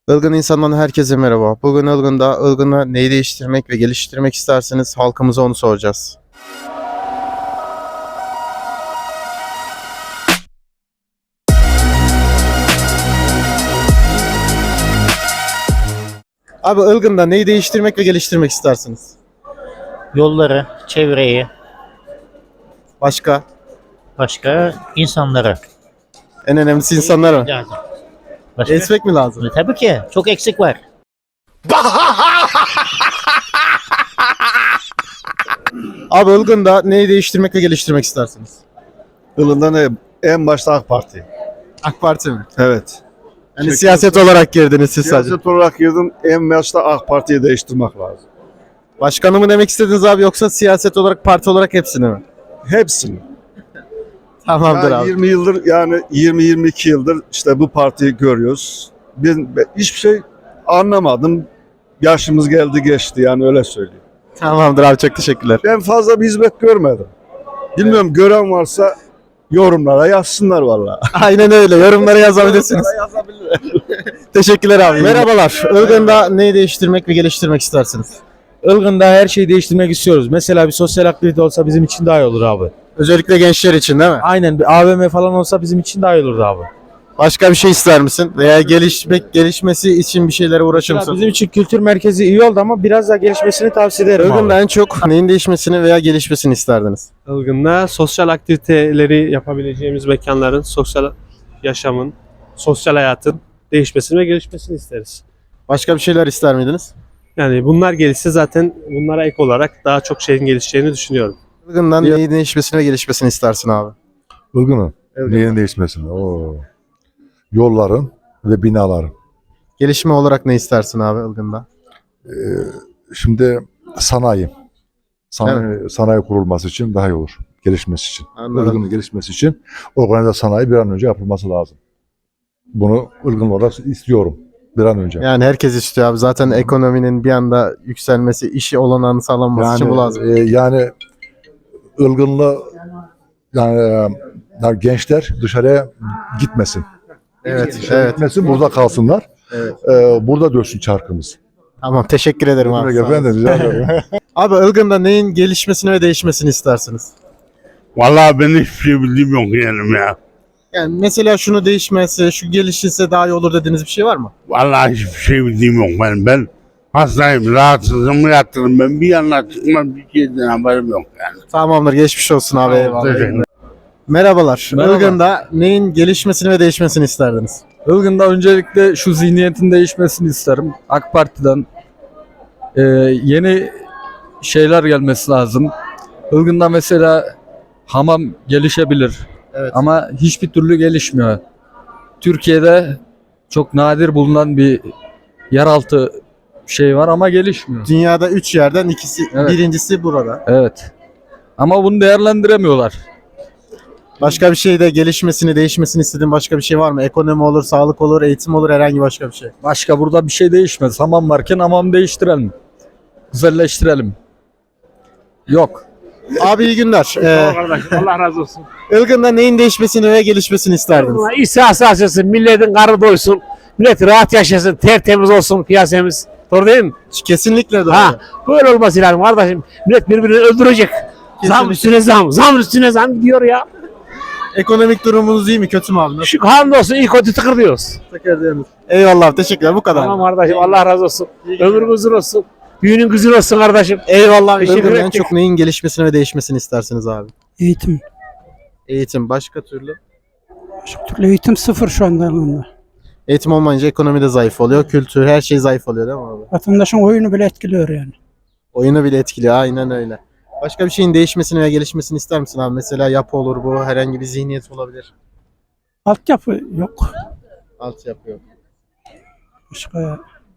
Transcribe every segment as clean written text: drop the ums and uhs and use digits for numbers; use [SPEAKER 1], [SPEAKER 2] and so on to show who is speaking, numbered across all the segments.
[SPEAKER 1] Ilgın insandan herkese merhaba. Bugün Ilgın'da neyi değiştirmek ve geliştirmek isterseniz halkımıza onu soracağız. Abi Ilgın'da neyi değiştirmek ve geliştirmek istersiniz?
[SPEAKER 2] Yolları, çevreyi,
[SPEAKER 1] Başka?
[SPEAKER 2] başka insanları
[SPEAKER 1] En önemlisi insanlar mı?
[SPEAKER 2] lazım. Başka?
[SPEAKER 1] Esmek mi lazım?
[SPEAKER 2] Tabii ki. Çok eksik var.
[SPEAKER 1] Abi Ilgın'da neyi değiştirmek ve geliştirmek istersiniz?
[SPEAKER 3] Yılında ne? En başta AK Parti.
[SPEAKER 1] AK Parti mi?
[SPEAKER 3] Evet.
[SPEAKER 1] Yani siyaset olarak girdiniz siz sadece.
[SPEAKER 3] Siyaset olarak girdim. En başta AK Parti'yi değiştirmek lazım.
[SPEAKER 1] Başkanı mı demek istediniz abi yoksa siyaset olarak parti olarak hepsini mi?
[SPEAKER 3] Hepsini.
[SPEAKER 1] Tamamdır
[SPEAKER 3] Yani
[SPEAKER 1] abi.
[SPEAKER 3] 20 yıldır yani 20-22 yıldır işte bu partiyi görüyoruz. Ben hiçbir şey anlamadım. Yaşımız geldi geçti yani öyle söyleyeyim.
[SPEAKER 1] Tamamdır abi, çok teşekkürler.
[SPEAKER 3] Ben fazla bir hizmet görmedim. Bilmiyorum gören varsa yorumlara yazsınlar vallahi.
[SPEAKER 1] Aynen öyle. Yorumlara yazabilirsiniz. Teşekkürler abi. Merhabalar. Ilgın'da neyi değiştirmek ve geliştirmek istersiniz?
[SPEAKER 4] Ilgın'da her şeyi değiştirmek istiyoruz. Mesela bir sosyal aktivite olsa bizim için daha iyi olur abi.
[SPEAKER 1] Özellikle gençler için değil mi?
[SPEAKER 4] Aynen, bir AVM falan olsa bizim için daha iyi olurdu abi.
[SPEAKER 1] Başka bir şey ister misin? Veya gelişmesi için bir şeylere uğraşır
[SPEAKER 4] Mesela
[SPEAKER 1] mısın?
[SPEAKER 4] bizim için kültür merkezi iyi oldu ama biraz daha gelişmesini tavsiye ederim abi.
[SPEAKER 1] Ilgın'da en çok neyin değişmesini veya gelişmesini isterdiniz?
[SPEAKER 5] Ilgın'da sosyal aktiviteleri yapabileceğimiz mekanların, sosyal yaşamın, sosyal hayatın değişmesini ve gelişmesini isteriz.
[SPEAKER 1] Başka bir şeyler ister miydiniz?
[SPEAKER 5] Yani bunlar gelişse zaten bunlara ek olarak daha çok şeyin gelişeceğini düşünüyorum.
[SPEAKER 1] Ilgın'dan neyin değişmesini ve gelişmesini istersin abi?
[SPEAKER 6] Ilgın'ın neyin değişmesini? Yolların ve binaların.
[SPEAKER 1] Gelişme olarak ne istersin abi Ilgın'da?
[SPEAKER 6] Şimdi sanayi kurulması için daha iyi olur. Gelişmesi için.
[SPEAKER 1] Anladım.
[SPEAKER 6] Ilgın'ın gelişmesi için organize sanayi bir an önce yapılması lazım. Bunu Ilgın olarak istiyorum bir an önce.
[SPEAKER 1] Yani herkes istiyor abi. Zaten ekonominin bir anda yükselmesi, işi olanağını sağlanması için bu lazım.
[SPEAKER 6] Yani Ilgınlı yani gençler dışarıya gitmesin.
[SPEAKER 1] Evet, evet.
[SPEAKER 6] Gitmesin, burada kalsınlar.
[SPEAKER 1] Evet.
[SPEAKER 6] Burada dönsün çarkımız.
[SPEAKER 1] Tamam, teşekkür ederim abi. Sağ olun.
[SPEAKER 6] Ben de rica ederim.
[SPEAKER 1] Abi Ilgın'da neyin gelişmesini ve değişmesini istersiniz?
[SPEAKER 7] Vallahi ben hiçbir şey bildiğim yok yani ya.
[SPEAKER 1] Yani mesela şunu değişmesi, şu gelişirse daha iyi olur dediğiniz bir şey var mı?
[SPEAKER 7] Vallahi hiçbir şey bildiğim yok benim. Ben hastayım, rahatsızım, yattırım. Ben bir yanına çıkmam, bir şeyden haberim yok yani.
[SPEAKER 1] Tamamdır, geçmiş olsun abi. Eyvallah.
[SPEAKER 7] Teşekkür.
[SPEAKER 1] Merhabalar.
[SPEAKER 4] Merhaba.
[SPEAKER 1] Ilgın'da neyin gelişmesini ve değişmesini isterdiniz?
[SPEAKER 4] Ilgın'da öncelikle şu zihniyetin değişmesini isterim. AK Parti'den yeni şeyler gelmesi lazım. Ilgın'da mesela hamam gelişebilir.
[SPEAKER 1] Evet.
[SPEAKER 4] Ama hiçbir türlü gelişmiyor. Türkiye'de çok nadir bulunan bir yeraltı şey var ama gelişmiyor.
[SPEAKER 1] Dünyada 3 yerden ikisi,
[SPEAKER 4] Evet.
[SPEAKER 1] birincisi burada.
[SPEAKER 4] Evet. Ama bunu değerlendiremiyorlar.
[SPEAKER 1] Başka bir şeyde gelişmesini, değişmesini istediğin başka bir şey var mı? Ekonomi olur, sağlık olur, eğitim olur, herhangi başka bir şey.
[SPEAKER 4] Başka burada bir şey değişmez. Hamam varken hamam değiştirelim. Güzelleştirelim. Yok.
[SPEAKER 1] Abi iyi günler.
[SPEAKER 8] Kardeşim Allah razı olsun.
[SPEAKER 1] Ilgın'da neyin değişmesini ve gelişmesini isterdiniz?
[SPEAKER 8] İhsası açılsın, milletin karnı doysun, millet rahat yaşasın, tertemiz olsun piyasamız. Doğru değil mi?
[SPEAKER 1] Kesinlikle doğru.
[SPEAKER 8] Ha, böyle olması lazım kardeşim. Millet birbirini öldürecek. Zam üstüne zam, zam üstüne zam gidiyor ya.
[SPEAKER 1] Ekonomik durumunuz iyi mi, kötü mü abi? Nasıl?
[SPEAKER 8] Şu hamdolsun iyi kötü tıkır diyoruz.
[SPEAKER 1] Eyvallah, teşekkürler. Bu kadar.
[SPEAKER 8] Tamam kardeşim Allah razı olsun. Ömrün uzun olsun. Düğünün güzel olsun kardeşim.
[SPEAKER 1] Eyvallah.
[SPEAKER 8] Teşekkür
[SPEAKER 1] Ilgın'da en
[SPEAKER 8] ettik.
[SPEAKER 1] çok neyin gelişmesini ve değişmesini istersiniz abi?
[SPEAKER 9] Eğitim.
[SPEAKER 1] Eğitim, başka türlü?
[SPEAKER 9] Başka türlü eğitim sıfır şu anda yanında.
[SPEAKER 1] Eğitim olmayınca ekonomi de zayıf oluyor, kültür, her şey zayıf oluyor değil mi abi?
[SPEAKER 9] Vatandaşın oyunu bile etkiliyor yani.
[SPEAKER 1] Oyunu bile etkiliyor, aynen öyle. Başka bir şeyin değişmesini ve gelişmesini ister misin abi? Mesela yapı olur bu, herhangi bir zihniyet olabilir.
[SPEAKER 9] Altyapı yok.
[SPEAKER 1] Altyapı yok.
[SPEAKER 9] Başka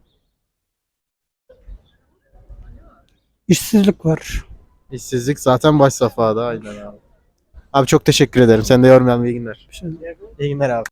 [SPEAKER 9] işsizlik var.
[SPEAKER 1] İşsizlik zaten baş safhada, aynen abi. Abi çok teşekkür ederim. Sen de yormayalım, iyi günler. İyi günler abi.